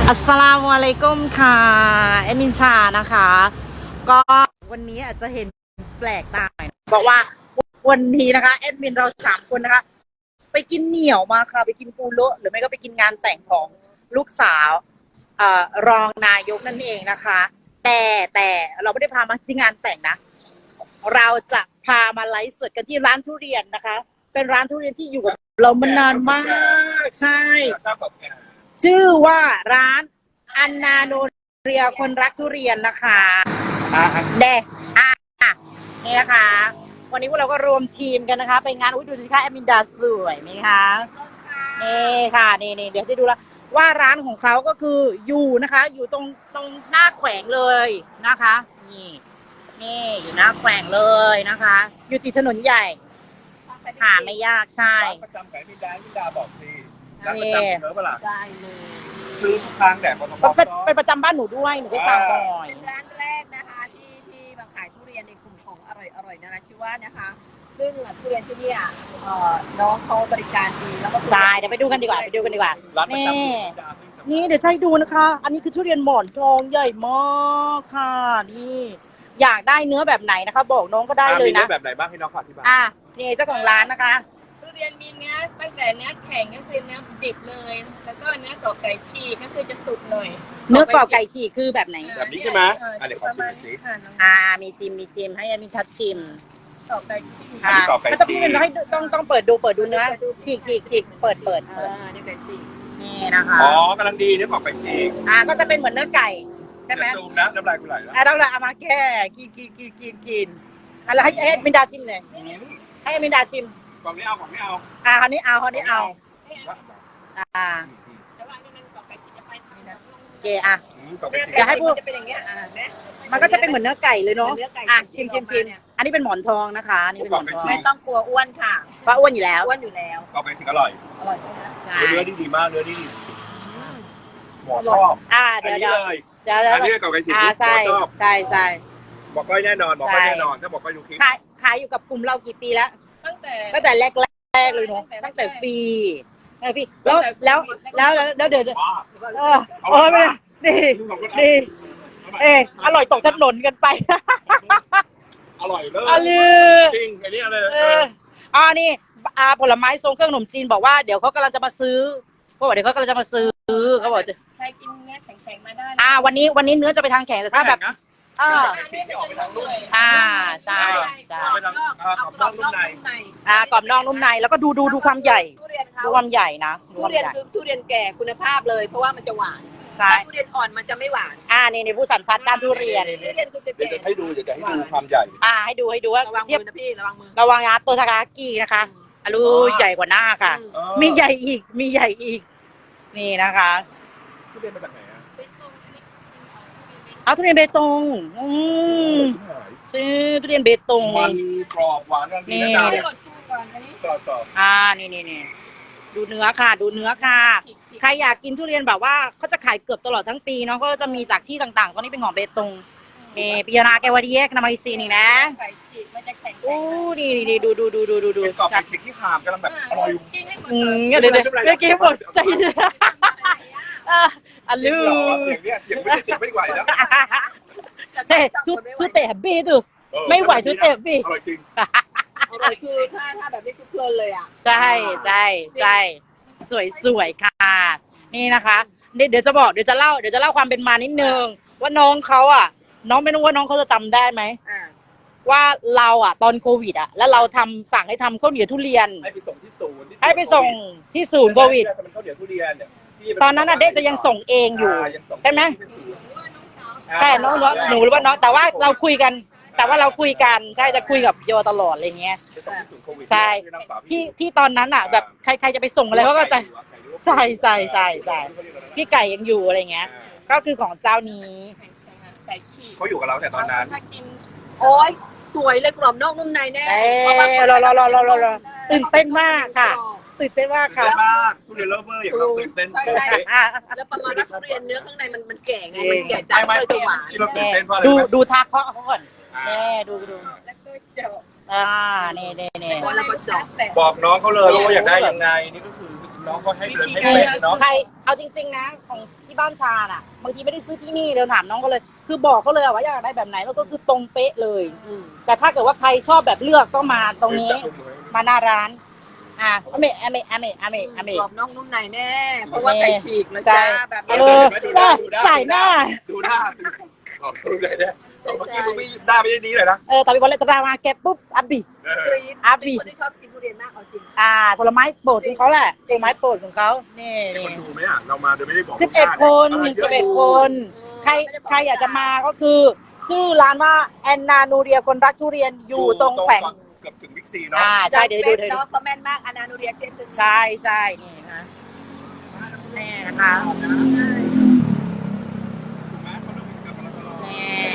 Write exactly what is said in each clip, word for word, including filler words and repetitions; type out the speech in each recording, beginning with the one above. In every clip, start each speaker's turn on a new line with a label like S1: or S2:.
S1: อัสสลามุอะลัยกุมค่ะแอดมินชานะคะก็วันนี้อาจจะเห็นแปลกตาหน่อยเพราะว่าวันนี้นะคะแอดมินเราสามคนนะคะไปกินเหนี่ยวมาค่ะไปกินปูโละหรือไม่ก็ไปกินงานแต่งของลูกสาวเอ่อรองนายกนั่นเองนะคะแต่แต่เราไม่ได้พามาที่งานแต่งนะเราจะพามาไลฟ์สดกันที่ร้านทุเรียนนะคะเป็นร้านทุเรียนที่อยู่กับเรามานานมากใช่ชื่อว่าร้านอันนาโนเรียคนรักทุเรียนนะคะเดอ่ะนี่นะคะวันนี้พวกเราก็รวมทีมกันนะคะไปงานอุ้ยดูสิคะแอมินดาสวยไหมคะนี่ค่ะนี่นี่เดี๋ยวจะดูแล้วว่าร้านของเขาก็คืออยู่นะคะอยู่ตรงตรงหน้าแขวงเลยนะคะนี่นี่อยู่หน้าแขวงเลยนะคะอยู่ติดถนนใหญ่หาไม่ยากใช่
S2: ร้านประจำของมินดามินดาบอกสิร้านประจำเธอเปล่าได้เลยซื้อทุกครั้งแดดกทม
S1: เป็นประจำบ้านหนูด้วยหนูไปสั่งบ่อย
S3: เป็นร้านแรกนะคะที่ที่มาขายทุเรียนในกลุ่มของอร่อยอร่อยนะคะชื่อว่านะคะซึ่งทุเรียนที่นี่น้องเขาบริการดีแล้วก็
S1: ใช่เดี๋ยวไปดูกันดีกว่าไปดูกันดีกว่านี่นี่เดี๋ยวให้ดูนะคะ อันนี้คือทุเรียนหมอนทองใหญ่มากค่ะนี่อยากได้เนื้อแบบไหนนะคะบอกน้องก็ได้เลยนะ
S2: มีเนื้อแบบไหนบ้างให้น้องขออธิบาย
S1: อ่ะนี่เจ้าของร้านนะคะ
S3: ทุเรียนมีเนื้อตั้งแต่เนื้อแข็งก็คือเนื้อดิบเลยแล้วก็เนื้อกรอบไก่ฉีกก็คือจะสุกหน่อย
S1: เนื้อกรอบไก่ฉีกคือแบบไหน
S2: แบบนี้ใช่ไหมอ่ะเดี๋ยวขอชิมสิ
S1: อ่ามีชิมมีชิมให้มีทัดชิม
S3: กรอบไก่ฉีก
S1: อ่าไม่ต้องพี่เป็นให้ต้องต้องเปิดดูเปิดดูเนื้อฉีกฉีกฉีกเปิดเปิดเปิด
S3: เนื้อไก่ฉีก
S1: นี่นะคะ
S2: อ๋อกำลังดีเนื้อกรอบไก่ฉีก
S1: อ่าก็จะเป็นเหมือนเนื้อไก่ใช่ไหม
S2: ซูมนะน้ำลายกูไหลแล้ว
S1: อ่ะเราเอามาแก้กินกินกินกินกินอะไรให้ให้มินดาชิมหน่อยให้มินดาชิม
S2: กล่องนี้เอากล่องนี้เอา
S1: อ่าคราวนี้เอาคราวนี้เอาอ่าโอเคอ่ะเดี๋ยวให้พูด
S3: จะเป็นอย่างเงี้ยอ่า
S1: มันก็จะเป็นเหมือนเนื้อไก่เลยเนาะอ่ะชิมชิมชิมอันนี้เป็นหมอนทองนะคะนี่เป็นหมอนทอง
S3: ไม่ต้องกลัวอ้วนค่ะ
S1: เพราะอ้วนอยู่แล้ว
S3: อ้วนอยู่แล้ว
S2: กรอบไก่ฉีกอร่อย
S3: อร่อยใช่ไหม
S1: ใช่
S2: เนื้อดีดีมากเนื้อดีหมอชอบ
S1: อ่าเดี๋ยวเดี๋ยวเดี๋ยว
S2: อันนี้กรอบไก่ฉีก
S1: อ่าใช่ใช่ใช่
S2: บอกก้อยแน่นอนบอกก้อยแน่นอนถ้าบอกก้อยดูคลิป
S1: ขายขายอยู่กับกลุ่มเรากี่ปีแล้ว
S3: ตั้งแต่
S1: ตั้งแต่แรกแรกเลยเนาะตั้งแต่ฟรีใช่พี่แล้วแล้วแล้วแล้วเดี๋ยวเออโอ้ยนี่นี่เอออร่อยตกถนนกันไป
S2: อร่อยเลยจริงอันนี้อะไร
S1: เอออ่านี่อาผลไม้ทรงเครื่องขนมจีนบอกว่าเดี๋ยวเขากำลังจะมาซื้อเขาบอกเดี๋ยวเขากำลังจะมาซื้อเขาบอกจะ
S3: ใครกินเนื้อแข็งๆมาได้
S1: อ่าวันนี้วันนี้เนื้อจะไปทางแข็งแต่ถ้าแบบอ่าอ่าใช่ใช่
S2: กรอบนอกนุ่มใน
S1: อ่ากรอบนอกนุ่มในแล้วก็ดูดูดูความใหญ่ดูความใหญ่นะ
S3: ทุเรียนคือทุเรียนแก่คุณภาพเลยเพราะว่ามันจะหวาน
S1: ใช่
S3: ทุเรียนอ่อนมันจะไม่หวาน
S1: อ่านี่ในผู้สันทัดด้านทุเรียน
S3: ทุเรียนคือจะ
S2: เดี๋ยวจะให้ดูเดี๋ยวจะให้ดูความใหญ่
S1: อ่าให้ดูให้ดูว่า
S3: ระวังมือนะพี่ระวังมือ
S1: ระวังนะตัวทากากินะคะอลูใหญ่กว่าหน้าค่ะมีใหญ่อีกมีใหญ่อีกนี่นะคะ
S2: ทุเรียนมาจากไหนอ่ะ
S1: เอาทุเรียนเบตงอืมซื้อทุเรียนเบตง
S2: มันกรอบหวานกันนี่กรอบสอบ
S1: อ่านี่นี่นี่ดูเนื้อค่ะดูเนื้อค่ะใครอยากกินทุเรียนแบบว่าเขาจะขายเกือบตลอดทั้งปีเนาะก็จะมีจากที่ต่างๆตอนนี้เป็นของเบตงนี่ปิยนาแกวาดีเอ็กนามาอิซีนี่นะโอ้นี่นี่ดูดูดูดูดูดู
S2: กรอบไก่ฉีกที่หามกำลังแบบอร่อย
S1: อืมเดี๋ยวเดี๋ยวเมื่อกี้หมดใจอ่ะลู
S2: เสียงเนี้ยเสียงไม่เสียงไม่ไหวแล้ว
S1: เฮ้ชุดชุดเตะบี้ดูไม่ไหวชุดเตะบี้
S2: อร่อยจริง
S3: อร่อยคือถ้าถ้าแบบนี้คือเพลินเลยอ่ะ
S1: ใช่ใช่ใช่สวยสวยค่ะนี่นะคะเดี๋ยวจะบอกเดี๋ยวจะเล่าเดี๋ยวจะเล่าความเป็นมานิดนึงว่าน้องเขาอ่ะน้องไม่รู้ว่าน้องเขาจะจำได้ไหมว่าเราอ่ะตอนโควิดอ่ะแล้วเราทำสั่งให้ทำข้าวเหนียวทุเรียน
S2: ให้ไปส่งที่ศูนย์
S1: ให้ไปส่งที่ศูนย์โควิด
S2: ข้าวเหนียวทุเรียนเนี่ย
S1: ตอนนั้นอ่ะเด็กจะยังส่งเองอยู่ใช่ไหมใช่น้องหนูหรือว่าน้องแต่ว่าเราคุยกันแต่ว่าเราคุยกันใช่จะคุยกับโยตลอดอะไรเงี้ยใช่ที่ที่ตอนนั้นอ่ะแบบใครใครจะไปส่งอะไรเขาก็จะใช่ใช่ใช่ใช่พี่ไก่ยังอยู่อะไรเงี้ยก็คือของเจ้านี้
S2: เขาอยู่กับเราแต่ตอนนั้น
S3: โอ้ยสวยเลยกรอบนอกนุ่มในแน่
S1: รอรอรอรอรอรอตื่นเต้นมากค่ะตื่นเต้นมากค่ะ
S2: มากทุเรียนเลิฟเวอร์อย่างเราตื่นเต้น
S3: ใช่ใช่แล้วประมาณว่าทุเรียนเนื้อข้างในมันมันแก่ไงมันแก่จัดเลยจะหวาน
S2: ที่เราตื่นเต้นเพราะอะไร
S1: ดูดูทาเคาะเขาก่อนแน่ดูดู
S3: แล้วก็เจาะ
S1: อ่าเน่เน่เน่
S3: แล้วก็เจาะ
S2: บอกน้องเขาเลยว่าอยากได้ยังไงนี่ก็คือน้องก็ให้เดินให้เป๊ะเนาะ
S1: ใครเอาจริงๆนะของที่บ้านชาน่ะบางทีไม่ได้ซื้อที่นี่เดี๋ยวถามน้องก็เลย คือบอกเขาเลยว่าอยากได้แบบไหนแล้วก็คือตรงเป๊ะเลย
S3: อืม
S1: แต่ถ้าเกิดว่าใครชอบแบบเลือกก็มาตรงนี้มาหน้าร้าน อ่ะอเมอเมอเมอเมอเม
S3: กรอบนอกนุ่มในแน่ เพราะว่าไก่ฉีกนะจ๊ะแบบ
S1: เออใช่ใส่หน้า
S2: ดูหน้าขอบคุณเลยเนี่ยเมื่อกี้มึงไม่หน้าไม่ได้ดีเลยนะ
S1: เออแต่พอเลยตรามาแกะปุ๊บอับบิ
S2: เออก
S3: รี๊ด
S1: อับบิ
S3: เป็นคนที่ชอบกินทุเรียนมากเอาจริง
S1: อ่าผลไม้โปรดของเขาแหละผลไม้โปรดของเขานี่
S2: มีคนดูไหมอ่ะเรามาโดยไม่ได้บอก
S1: สิบเอ็ดคนสิบเอ็ดคน ใครใครอยากจะมาก็คือ ชื่อร้านว่าแอนนานูเรียคนรักทุเรียนอยู่ตรงแฝง
S2: เกือบถึงบิ๊กซีเนาะ
S1: อ่าใช่เดี๋ยวดูเดี๋ยวดู
S3: เนาะเขาแม่นมากอนานูเรียเจสัน
S1: ใช่ใช่นี่นะนี่นะคะ
S2: ถูกไหมเขาเริ่มกิจกรรมมาแล้วตลอด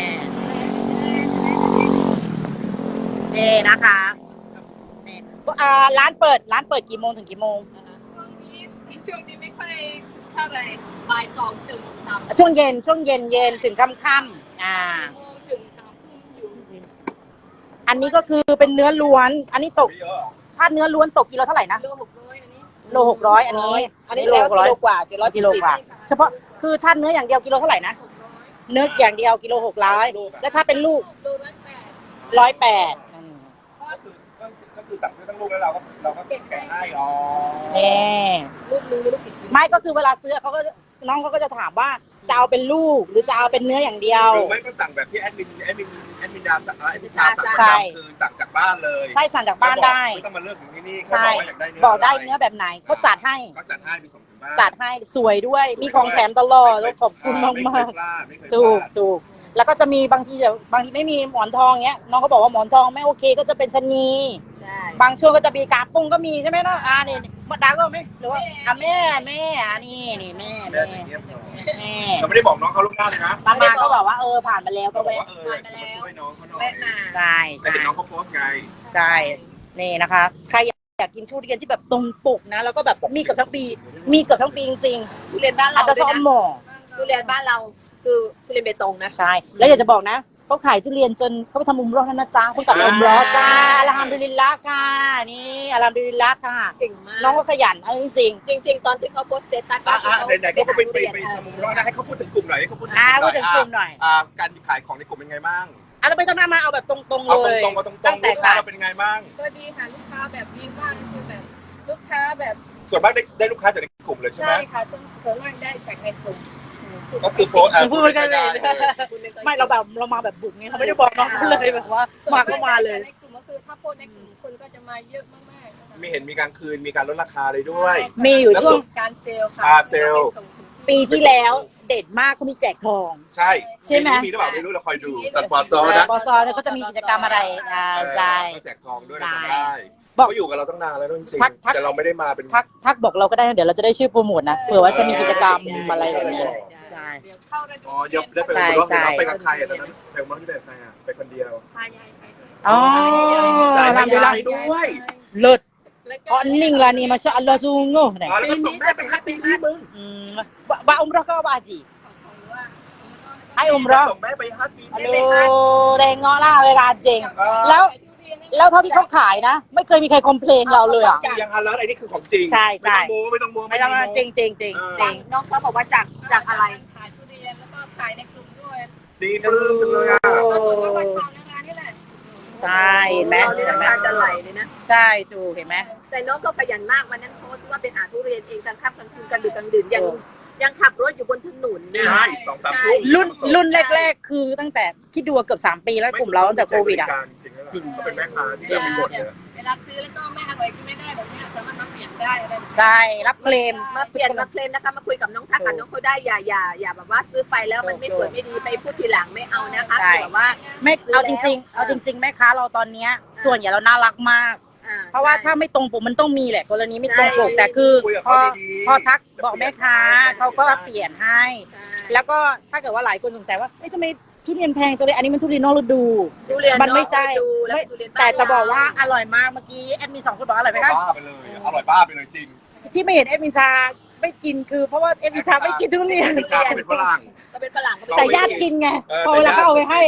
S1: นี่นี่นะคะนี่อ่าร้านเปิดร้านเปิดกี่โมงถึงกี่โมง
S3: ช่วงนี้ช่วงนี้ไม่ค่อยเท่าไหร่บ่ายสองถึงสาม
S1: ช่วงเย็นช่วงเย็นเย็นถึงค่ำค่ำๆอ่า
S3: โมงถึงสามทุ่มอยู่
S1: อันนี้ก็คือเป็นเนื้อล้วน อันนี้ตก
S2: ไม่เยอะ
S1: ถ้าเนื้อล้วนตกกิโลเท่าไหร่นะ
S3: โลหกร้อยอันนี้
S1: โลหกร้อยอันนี้
S3: อันนี้
S1: โล
S3: แล้ว
S1: หกร้อย
S3: กิโลกว่าเจ็ดร้อย
S1: กิโลกว่าเฉพาะคือถ้าเนื้ออย่างเดียวกิโลเท่าไหร่นะ
S3: หกร้อย
S1: เนื้ออย่างเดียวกิโลหกร้อยแล้วถ้าเป็นลูก
S3: โลละแปด
S1: ร้อยแปด
S2: ก็คือก็คือสั่งซื้อทั้งลูกแล้วเราก็เราก็แกะให้อ๋อ
S1: นี่
S3: ลูกนึงไม่รู้กี่กิโล
S1: ไม่ก็คือเวลาซื้อเขาก็น้องเขาก็จะถามว่าจะเอาเป็นลูกหรือจะเอาเป็นเนื้ออย่างเดียว
S2: หรือไม่ก็สั่งแบบที่แอดมินแอดมินแอดมินดาสั่งแอดมินชาสั่ง
S1: ใช่
S2: คือสั่งจากบ้านเลย
S1: ใช่สั่งจากบ้านได้
S2: ไม่ต้องมาเลือกถึงที่นี่แค่
S1: ใช่
S2: บอกว่าอยากได้เนื้อ
S1: บอกได้
S2: ะร
S1: เนื้อแบบไหนเขาจัดให้
S2: ก็จัดให้มีส่งถึงบ้าน
S1: จัดให้สวยด้วยมีของแถมตลอดแล้วขอบคุณมาก
S2: ไม่
S1: มา
S2: เค
S1: ก
S2: ยพลาดไม่เคยพ
S1: ถูก
S2: ลาด
S1: ถูกแล้วก็จะมีบางทีเดี๋ยวบางทีไม่มีหมอนทองเงี้ยน้องเขาบอกว่าหมอนทองไม่โอเคก็จะเป็นชะนี
S3: ใช่
S1: บางช่วงก็จะมีกาปุ้งก็มีใช่ไหมเนาะอ่านี่มาดาก็ไหมหรือว่าอ่ะแม่แม่อ่ะนี่นี่แม่
S2: แม่
S1: แม่
S2: จะเงียบหน่อย
S1: แม่
S2: เราไม่ได้บอกน้องเขาลูกหน้าเลยนะ
S1: บางมาก็บอกว่าเออผ่านมาแล้วก็
S2: ก็บอก
S1: แวะ
S2: ว่าเออมาช่วยน้องเขาหน่อย
S3: แวะมา
S1: ใช่
S2: แต่
S1: ใช่
S2: เห็นน้องเขาโพสต์ไง
S1: ใช่นี่นะคะ ใครอยากกินทุเรียนที่แบบตรงปกนะ แล้วก็แบบมีเกือบทั้งปี มีเกือบทั้งปีจริง
S3: ทุเรียนบ้าน
S1: ๆอั
S3: เรา
S1: นดับ
S3: ด้วย
S1: สอง
S3: นะ
S1: หมอ
S3: ทุเรียนบ้านเราคือทุเรียนเบตงนะ
S1: ใช่ แล้วอยากจะบอกนะเขาขายทุเรียนจนเขาไปทำมุมร้อนนะจ๊ะคุณตัดมุมร้อนจ้าอัลฮัมดุลิลละค่ะนี่อัลฮัมดุลิลละค่ะ
S3: เก่งมาก
S1: น้องก็ขยันเอาจริง
S3: จริง ๆ ตอนที่เขาโพสต์สเตตัส
S2: อ่ะอ่ะ
S3: เขา
S2: ไหนๆก็ไปไปไป
S3: หา
S2: ทำมุมร้อนนะให้เขาพูดถึงกลุ่มหน่อยให้เขาพูดถึง
S1: ๆอ่าพูดถึงกลุ่มหน่อย
S2: อ่าการขายของในกลุ่มเป็นไงบ้าง
S1: อ่ะเราไม่ต้องหน้ามาเอาแบบตรงๆ
S2: เอา
S1: เล
S2: ต
S1: ย
S2: รงๆมาตรงๆ
S1: ตั้งแต่
S2: ลูกค้า
S1: ขาย
S2: เราเป็นไงบ้าง
S3: ก็ดีค่ะลูกค้าแบบดีมากคือแบบลูกค้าแบบ
S2: ส่วนมากได้ได้ลูกค้าจากในกลุ่มเลยใช่ไหม
S3: ใช่ค่ะส่วนส่วนมากได้จากในกลุ่ม
S2: ก็คือโพสต์อ่ะ
S1: พูดกันเลย ไม่เราแบบเรามาแบบบุกไงเขาไม่ได้บอกน้องเขาเลยแบบว่ามาก็มาเลย
S3: ในกลุ่มก็คือถ้าโพสต์ในกลุ่มคนก็จะมาเยอะมากๆนะคะ
S2: มีเห็นมีการคืนมีการลดราคาเลยด้วย
S1: มีอยู่ช่วง
S3: การเซลล์ค่ะ
S2: อ่าเซลล์
S1: ปีที่แล้วเด็ดมากเขามีแจกทอง
S2: ใช่
S1: ใช่ไหม
S2: มีหรือเปล่าไม่รู้เราคอยดูตัดปอซอนะ
S1: ปอซอเนี่ยเขาจะมีกิจกรรมอะไรอ่าใช่
S2: ก็แจกทองด้วย
S1: ใช่
S2: จำได้
S1: บอก
S2: เขาอยู่กับเราตั้งนานแล้วจริง
S1: ทักทัก
S2: ๆแต่เราไม่ได้มาเป็น
S1: ทักทักบอกเราก็ได้นะเดี๋ยวเราจะได้ช่วยโปรโมทนะเผื่อว่าจะมีกิจกรรมอะไรแบบนี้ ใช่
S3: เดี๋ยวเข้าฤดู
S2: อ๋อยกได้ไป
S1: ใช่
S2: รอบ
S1: ใช่
S2: นึงไปกับใครอ่ะตอนนั้นไปกับน้องที่แบบใครอ่ะไปคนเดียว
S3: พายายไปด้วย
S1: อ๋อ
S2: ใช่
S1: ทำดีละ
S2: ไปด้วย
S1: เลิศ
S3: แล้วก็
S1: อ๋อนิ่งละนี่มาชาอัลลอฮ์ซูงโง่ไหน
S2: อ๋อแล้วก็ส่งแม่ไปฮัตปีนี้มึง
S1: อืมบะบะอุมเราะห์ก็บะจี
S3: ของว่า
S1: ให้อุมเราะห์
S2: ส่งแม่ไปฮัตปี
S1: ฮัล
S2: นี้
S1: โหลแดงเงาะล่าเวลาเจงแล้ว แล้วเท่าที่เขาขายนะ ไม่เคยมีใครคอมเพลนเราเลยอ่ะ
S2: ยังฮันแล้วไอ้นี่คือของจริง
S1: ใช่ใช่
S2: ไม่ต้องโม้ไม่
S1: ไม่
S2: ต้
S1: ต้
S2: อ
S1: อง ง
S2: โม้
S1: จริงจริงจริงจริง
S3: น้องเขาบอกว่าจากจากอะไร
S4: ขายทุเรียนแล้วก็ขายในกลุ่มด้วย
S2: ดีปลื้มจังเลยอ่ะ
S4: ก็ส่วนมากก็ชาวนานี่แหละ
S1: ใช่เห็นไหม
S3: เราเนี่ย
S1: เห็นไหม
S3: น้ำตาจะไหลเลยนะ
S1: ใช่จูเห็นไหม
S3: แต่น้องก็ขยันมากวันนั้นโพสต์ว่าไปหาทุเรียนเองกลางค่ำกลางคืนกลางดึกกลางดื่นยังยังขับรถอยู่บนถนนนะ
S2: ใช่สองสามทุ่ม
S1: รุ่นรุ่นแรก ๆ คือตั้งแต่คิดดูว่าเกือบสามปีแล้วกลุ่มเราตั้งแต่โควิดอ่ะ
S2: จริงเขาเป็นแม่ค้าที่เราเป็นบทเนี่ย
S4: เวลาซื้อแล้วก็ไม่อร่อยก็ไม่ได้แบบเนี้ยสามารถมาเปลี่ยนได้อะไรแบบนี้
S1: ใช่รับเคลม
S3: มาเปลี่ยนมาเคลมนะคะมาคุยกับน้องทักกับน้องเขาได้อย่าอย่าอย่าแบบว่าซื้อไปแล้วมันไม่สวยไม่ดีไปพูดทีหลังไม่เอานะคะ
S1: ใช่
S3: คือแบบว่า
S1: ไม่เอาจริง ๆ เอาจริง ๆ แม่ค้าเราตอนเนี้ยส่วนใหญ่เราน่ารักมาก
S3: อ่
S1: เพราะว่าถ้าไม่ตรงปกมันต้องมีแหละกรณีไม่ตรงปกแต่คือ
S2: คุยกับ
S1: พอ
S2: เขาดีๆ
S1: พอทักบอกแม่ค้าเขาก็เปลี่ยนให้
S3: ใช่
S1: แล้วก็ถ้าเกิดว่าหลายคนสงสัยว่าเอ้ยทำไมทุเรียนแพงจังเลยอันนี้มันทุเรียนนอกฤดู
S3: ทุเรียน
S1: มันไม่ใช่
S3: ดูแล้วทุเรียนบ้น
S1: แต่จะบอกว่าอร่อยมากเมื่อกี้แอดมินสองคนบอกอร่อยไหมคะ
S2: บ้าไปเลยอร่อยบ้าไปเลยจริง
S1: ที่ไม่เห็นแอดมินชาไม่กินคือเพราะว่าแอดมินชาไม่กินทุเรียน
S2: เป็นกาเป็นฝรั่ง
S3: เราเป็นฝรั่งก็ไม่
S1: แต่
S3: ได้
S1: ญาติกินไง
S2: เออ
S1: พอเวลาเขาเอาไปให้อ่ะ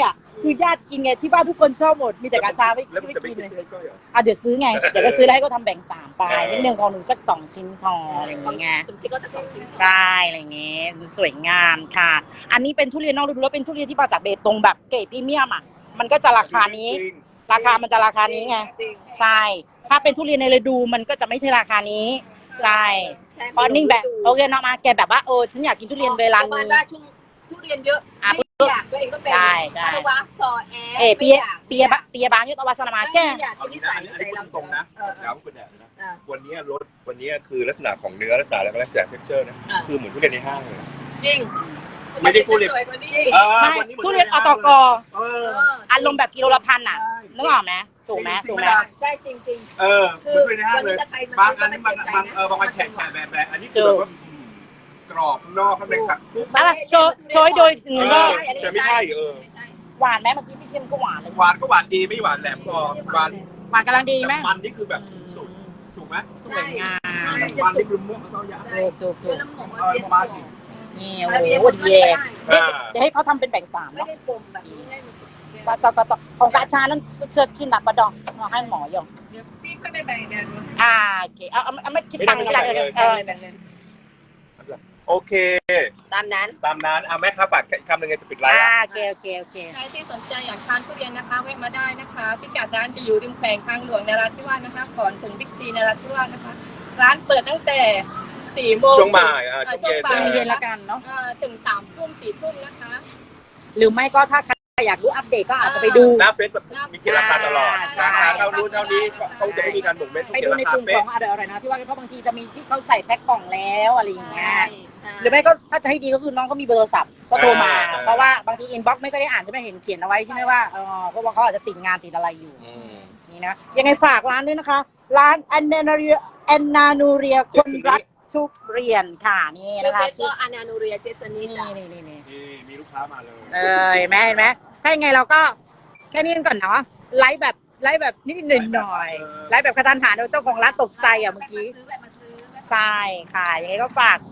S1: คือญาติกินไงที่บ้านทุกคนชอบหมดมีแต่กาชาไม่
S2: แล้วมัน
S1: ไม่
S2: จะไม่
S1: กิน
S2: กิน
S1: เลย
S2: เส้นก้อยเหรอ
S1: อ่ะเดี๋ยวซื้อไงเดี๋ยวก็ซื้อแล้วให้เขาทำแบ่งสามไปนิดนึงของหนูสักสองชิ้นพออะไรอย่างเงี้ย
S3: ถึงจริงก็จะของชิ้น
S1: ใช่อะไรอย่างเงี้ยสวยงามค่ะ อันนี้เป็นทุเรียนนอกฤดูแล้วเป็นทุเรียนที่มาจากเบตงแบบเกรดพรีเมียมอ่ะมันก็จะราคานี้
S2: จริง
S1: ราคามันจะราคานี้ไง
S3: จริง
S1: ใช่ ถ้าเป็นทุเรียนในฤดูมันก็จะไม่ใช่ราคานี้ ใช่ เพราะนิ่งแบบโอเคเนาะมาแกแบบว่าเออฉันอยากกินทุเรียนเวลา
S3: ประมาณ
S1: นี้
S3: ว่าช่วงทุเรียนเยอะ
S1: อ่ะ
S3: ไม่อยากตัวเองก็เป็น
S1: ใช่ใช่
S3: ภาวะซอแอ
S1: เอ
S3: ร์
S1: เปียเปียบะเปียบางยุทธวาสนามาแก
S3: ไม่อยาก
S2: เอา
S3: กิน
S2: งี้
S3: นิ
S2: นะ
S3: สัย
S2: อันนี้อันนี้
S3: นิสัย
S2: พูดตรงๆนะ
S3: เออ
S2: แล้วคุณแดดนะ
S3: เออ
S2: วันนี้รสวันนี้คือลักษณะของเนื้อลักษณะอะไรก็แล้วแต่ texture นะ
S3: อ่ะ
S2: คือเหมือนทุเรียนในห้างเลย
S3: จริง
S2: ไม่ได้ทุเรียน
S3: สวยกว่านี้
S2: เออ
S1: ไม่
S2: วันนี้หมื
S1: ทุเรียนอตก
S2: เออ
S1: อารมณ์แบบกิโลละพันอ่ะนึกออกไหมถูกไหมถูกไหม
S3: ใช่จริงจริง
S2: เออเหมือนทุเรียนในห้างเลย
S3: คือวันนี้ถ้าใครมา
S2: บางอันนี่มัน
S3: ก็ไม่
S2: บาง
S3: เสียใจนะ
S2: เออบางอันแฉะแฉะแบบแบบอันนี้คือแบบว่าอืมกรอบข้างนอกข้างในขัด
S1: อ่ะโชว์โชว์ให้โดยหนึ่ง
S2: เอ
S1: ก็
S2: อแต่ไม่ใช่เออ
S1: หวานไหมเมื่อกี้พี่ชิมก็หวานเลย
S2: หวานก็หวานดีไม่หวานแหลมคอหวาน
S1: หวานกำลังดีไหม
S2: แต่มันนี่คือแบบสุดถูกไหม
S1: สวยงาม
S2: มันนี่คือม่วงมะเขือยาว
S1: ถูกถูกถู
S3: คือก น้ำหอม
S2: เออประมาณนี้
S1: นี่โอ้โหดีเย่เดี๋ยวให้เขาทำเป็นแบ่งสาม
S3: ไม่
S1: เนาะ
S3: ได้ปมแบบนี้ให้มันสุด
S1: ปลาซอกตของกาชานั้นเชิดชินดับปะดองมาให้หมอยง
S3: เดี๋ยวพี่ค่อยไปแบ่งเดี๋ยว
S1: อ่าโอเคเอาเอาเอาไม่คิดตังค์อะไรเลยเออ
S3: แบ่งเลย
S2: โอเค
S3: ตามนั้น
S2: ตามนั้นเอาแม่ค้าฝากอีกคำหนึ่งไงจะปิดไลฟ์
S1: อ่า
S2: ละ
S1: โอเคโอเคโอเค
S4: ใครที่สนใจอยากทานทุเรียนนะคะแวะมาได้นะคะพิกัดร้านจะอยู่ริมแขวงทางหลวงนราธิวาสนะคะ ก่อนถึงบิ๊กซีนราธิวาสนะคะ ร้านเปิดตั้งแต่สี่โมง
S2: ช่วงบ่ายอ่ะ
S4: เอ่อ
S2: ช่วงเย็น
S4: ช่วงบ่าย
S1: เย็นละกันเนาะ
S4: เอ่อถึงสามทุ่มสี่ทุ่มนะคะ
S1: หรือไม่ก็ถ้าใครอยากรู้อัปเดตก็อาจจะไปดู
S2: หน้าเฟซแบบมีเกณฑ์ราคาตลอด
S1: ใช่
S2: ราคาเท่านู้นเท่านี้เขาจะไม่มีการบ่งเม็ด
S1: ไปดูในกลุ่มของอร่อยๆนะที่ว่าเพราะบางทีจะมีที่เขาใส่แพ็คกล่องแล้วอะไรอย่างเงี้ยหรือไม่ก็ถ้าจะให้ดีก็คือน้องก็มีเบอร์โทรศัพท์ก็โทรมา เพราะว่าบางทีอินบ็อกซ์ไม่ก็ได้อ่านจะไม่เห็นเขียนเอาไว้ใช่ไหมว่าเออเพราะว่าเขาอาจจะติดงานติดอะไรอยู่
S2: อืม
S1: นี่นะยังไงฝากร้านด้วยนะคะ ร้านแอนนาเรียแอนนานูเรียคนรักทุเรียนค่ะนี่
S3: ชื่อ
S1: นะคะ
S3: เฟซก็อานานูเรียเจสนิ
S1: นี่
S3: จ้ะ
S1: นี่นี่นี่
S2: นี่มีลูกค้ามาเลย
S1: เออเห็นไหมเห็นไหมถ้ายังไงเราก็แค่นี้กันก่อนเนาะไลฟ์แบบไลฟ์แบบนิดหน่อยหน่อยไลฟ์แบบกระทันหันเจ้าของร้านตกใจอ่ะเมื่อกี้
S3: ซื้อแบบมาซื้อแบบ
S1: ใช่ค่ะยังไงก็ฝาก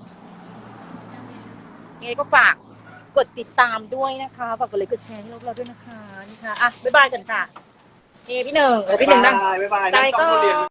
S1: ยังไงก็ฝากกดติดตามด้วยนะคะฝากกดไลค์กดแชร์ให้เราด้วยนะคะนี่ค่ะอ่ะบ๊ายบายกันค่ะเจพี่หนึ่งเออพี่หนึ่งนั่ง
S2: บ๊ายบาย
S1: ใจก็
S2: นั่งต้องเรียน